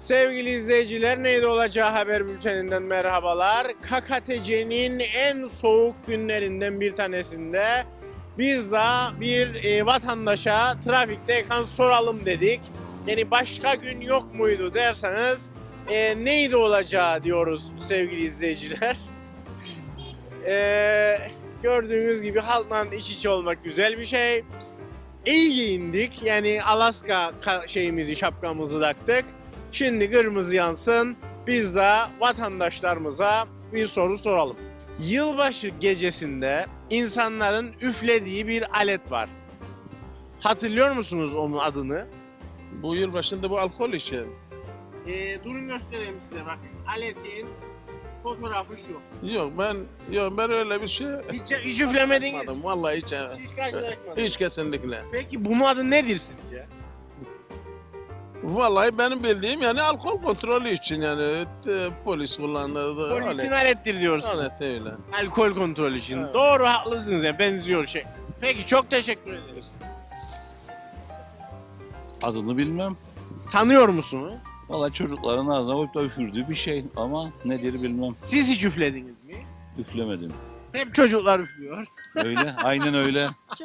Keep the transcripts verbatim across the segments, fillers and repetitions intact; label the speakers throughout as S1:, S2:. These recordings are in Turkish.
S1: Sevgili izleyiciler, neydi olacağı haber bülteninden merhabalar. K K T C'nin en soğuk günlerinden bir tanesinde biz de bir e, vatandaşa trafikteyken soralım dedik. Yani başka gün yok muydu derseniz e, neydi olacağı diyoruz sevgili izleyiciler. e, gördüğünüz gibi halkla iç içe olmak güzel bir şey. İyi giyindik, yani Alaska şeyimizi, şapkamızı taktık. Şimdi kırmızı yansın, biz de vatandaşlarımıza bir soru soralım. Yılbaşı gecesinde insanların üflediği bir alet var. Hatırlıyor musunuz onun adını?
S2: Bu yıl başında bu alkol işi.
S1: Ee, durun göstereyim size, bakın. Aletin fotoğrafı şu.
S2: Yok ben yok ben öyle bir şey
S1: Hiç, hiç üflemediniz.
S2: yapmadım. Vallahi hiç.
S1: Hiç karşılaşmadınız.
S2: Hiç kesinlikle.
S1: Peki bunun adı nedir sizce?
S2: Vallahi benim bildiğim yani alkol kontrolü için yani e, polis kullandığı
S1: Polisin
S2: alet.
S1: alettir diyorsunuz.
S2: Alet öyle.
S1: Alkol kontrolü için.
S2: Evet.
S1: Doğru, haklısınız, yani benziyor şey. Peki, çok teşekkür ederiz.
S3: Adını bilmem.
S1: Tanıyor musunuz?
S3: Valla çocukların ağzına koyup da üfürdüğü bir şey ama nedir bilmem.
S1: Siz hiç üflediniz mi?
S3: Üflemedim.
S1: Hep çocuklar üflüyor.
S3: Öyle, aynen öyle.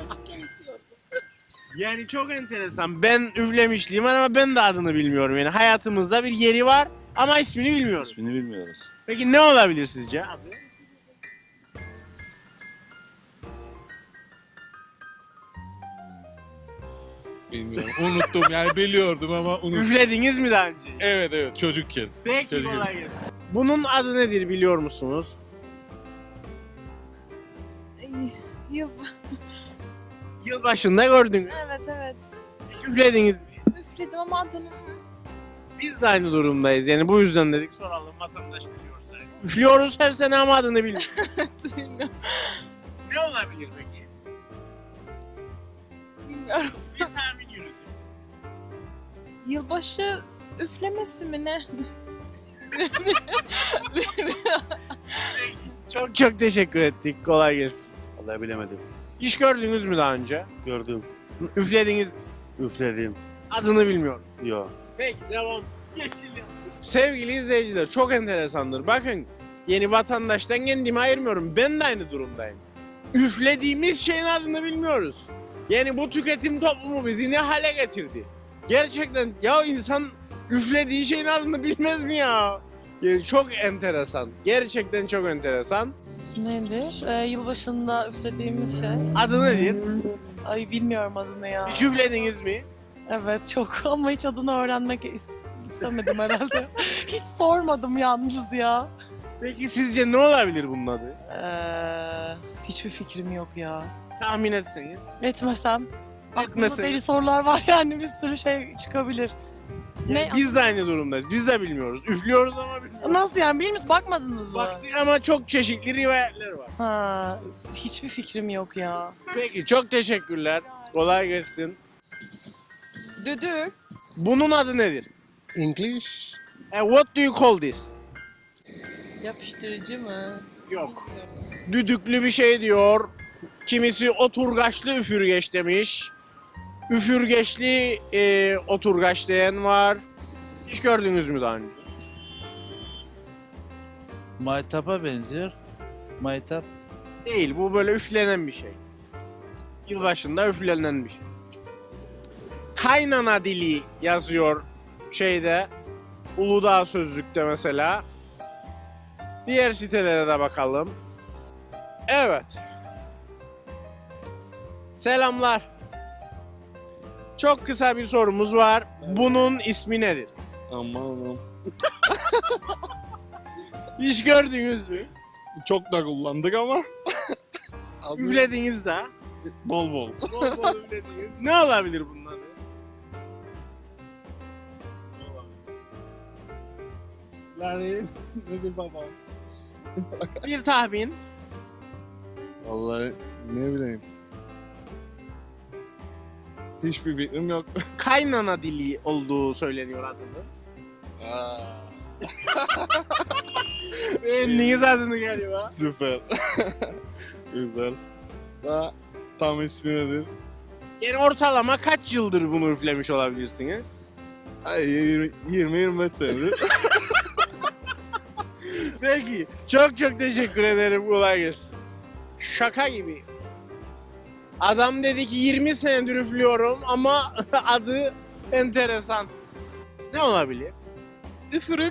S1: Yani çok enteresan. Ben üflemişliğim var ama ben de adını bilmiyorum. Yani hayatımızda bir yeri var ama ismini bilmiyoruz.
S3: İsmini bilmiyoruz.
S1: Peki ne olabilir sizce? Adı?
S4: Bilmiyorum. Unuttum yani biliyordum ama unuttum.
S1: Üflediniz mi daha önce?
S4: Evet evet çocukken.
S1: Peki,
S4: Çocuk-
S1: kolay gelsin. Bunun adı nedir biliyor musunuz?
S5: Yıl.
S1: Yılbaşında gördünüz.
S5: Evet evet.
S1: Hiç üflediniz mi?
S5: Üfledim ama adını
S1: Biz de aynı durumdayız. Yani bu yüzden dedik soralım, vatandaş biliyorsa. Üflüyoruz her sene ama adını bilmiyoruz.
S5: bilmiyorum.
S1: Ne olabilir peki?
S5: Bilmiyorum.
S1: Bir tahmin yürütün.
S5: Yılbaşı üflemesi mi ne?
S1: Çok çok teşekkür ettik. Kolay gelsin.
S6: Vallahi bilemedim.
S1: Hiç gördünüz mü daha önce?
S6: Gördüm.
S1: Üflediniz mi?
S6: Üfledim.
S1: Adını bilmiyorum.
S6: Yok.
S1: Peki, devam. Yeşil yandı. Sevgili izleyiciler, çok enteresandır. Bakın, yeni vatandaştan kendimi ayırmıyorum. Ben de aynı durumdayım. Üflediğimiz şeyin adını bilmiyoruz. Yani bu tüketim toplumu bizi ne hale getirdi? Gerçekten ya, insan üflediği şeyin adını bilmez mi ya? Yani çok enteresan. Gerçekten çok enteresan.
S7: Nedir? Ee, yılbaşında üflediğimiz şey.
S1: Adı nedir?
S7: Ay bilmiyorum adını ya.
S1: Hiç üflediniz mi?
S7: Evet çok ama hiç adını öğrenmek is- istemedim herhalde. Hiç sormadım yalnız ya.
S1: Peki sizce ne olabilir bunun adı?
S7: Ee, hiçbir fikrim yok ya.
S1: Tahmin etseniz.
S7: Etmesem. Aklımda
S1: Etmeseniz.
S7: deli sorular var yani bir sürü şey çıkabilir. Ne?
S1: Biz de aynı durumdayız. Biz de bilmiyoruz. Üflüyoruz ama bilmiyoruz.
S7: Nasıl yani bilmiyoruz bakmadınız mı?
S1: Baktık ama çok çeşitli rivayetler var.
S7: Ha, hiçbir fikrim yok ya.
S1: Peki, çok teşekkürler. Kolay gelsin.
S7: Düdük.
S1: Bunun adı nedir?
S6: English.
S1: E, what do you call this?
S7: Yapıştırıcı mı?
S1: Yok. Düdüklü bir şey diyor. Kimisi oturgaçlı üfürgeç demiş. Üfürgeçli e, oturgaç diyen var. Hiç gördünüz mü daha önce?
S8: Maytap'a benziyor. Maytap.
S1: Değil, bu böyle üflenen bir şey. Yılbaşında üflenen bir şey. Kaynana dili yazıyor şeyde. Uludağ Sözlük'te mesela. Diğer sitelere de bakalım. Evet. Selamlar. Çok kısa bir sorumuz var. Bunun ismi nedir?
S4: Aman
S1: Hiç gördünüz mü?
S4: çok da kullandık ama. Adı
S1: Üflediniz de.
S4: bol bol.
S1: Bol bol üflediniz. Ne olabilir bunun adı?
S4: Yani nedir baba?
S1: Bir tahmin.
S4: Vallahi ne bileyim. Hiçbir fikrim yok.
S1: Kaynana dili olduğu söyleniyor adının.
S4: Aa,
S1: Beğendiniz adını galiba.
S4: süper. Güzel. Daha tam ismi nedir?
S1: Yani ortalama kaç yıldır bunu üflemiş olabilirsiniz?
S6: yirmi yirmi beş senedir.
S1: Peki. Çok çok teşekkür ederim. Kolay gelsin. Şaka gibi. Adam dedi ki yirmi senedir üflüyorum ama adı enteresan. Ne olabilir?
S5: Üfürük.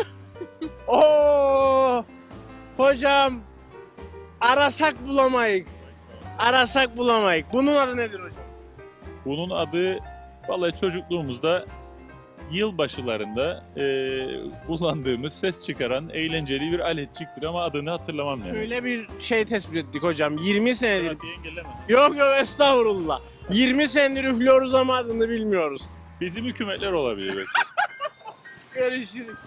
S1: Oo! Hocam arasak bulamayık. Arasak bulamayık. Bunun adı nedir hocam?
S9: Bunun adı vallahi çocukluğumuzda yılbaşılarında eee kullandığımız ses çıkaran eğlenceli bir aletçiktir ama adını hatırlamam yani.
S1: Şöyle bir şey tespit ettik hocam. yirmi senedir.
S9: Hadi engelleme.
S1: Yok yok estağfurullah. yirmi senedir üflüyoruz ama adını bilmiyoruz.
S9: Bizim hükümetler olabilir belki.
S1: Görüşürüz.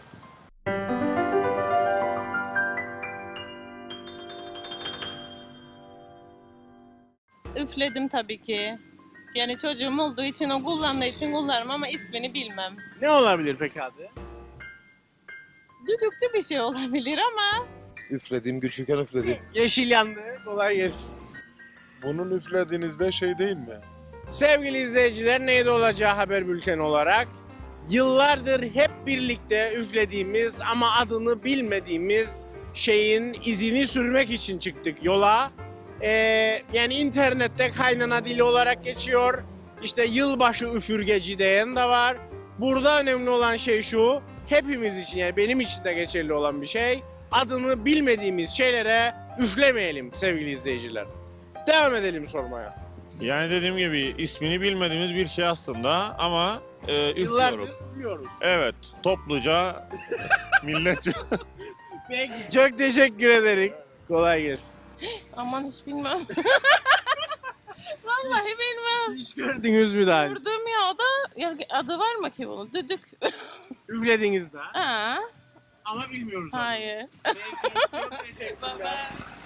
S10: Üfledim tabii ki. Yani çocuğum olduğu için, o kullandığı için kullanırım ama ismini bilmem.
S1: Ne olabilir peki adı?
S10: Düdüklü bir şey olabilir ama
S6: Üfledim, küçükken üfledim.
S1: Yeşil yandı. Kolay gelsin.
S4: Bunun üflediğinizde şey değil mi?
S1: Sevgili izleyiciler, neydi olacağı haber bülteni olarak yıllardır hep birlikte üflediğimiz ama adını bilmediğimiz şeyin izini sürmek için çıktık yola. Ee, yani internette kaynana dili olarak geçiyor. İşte yılbaşı üfürgeci diyen de var. Burada önemli olan şey şu, hepimiz için yani benim için de geçerli olan bir şey. Adını bilmediğimiz şeylere üflemeyelim sevgili izleyiciler. Devam edelim sormaya.
S11: Yani dediğim gibi ismini bilmediğimiz bir şey aslında ama e, üflüyorum.
S1: Yıllardır üflüyoruz.
S11: Evet, topluca, milletçe.
S1: Peki, çok teşekkür ederim. Kolay gelsin.
S10: aman hiç bilmem. Vallahi bilmem.
S1: Hiç gördünüz mü daha önce?
S10: Gördüm ya, o da ya, adı var mı ki bunun? Düdük.
S1: Üflediniz daha
S10: Ha,
S1: ama bilmiyoruz. adını.
S10: hayır.
S1: Peki, çok teşekkürler.
S10: Baba.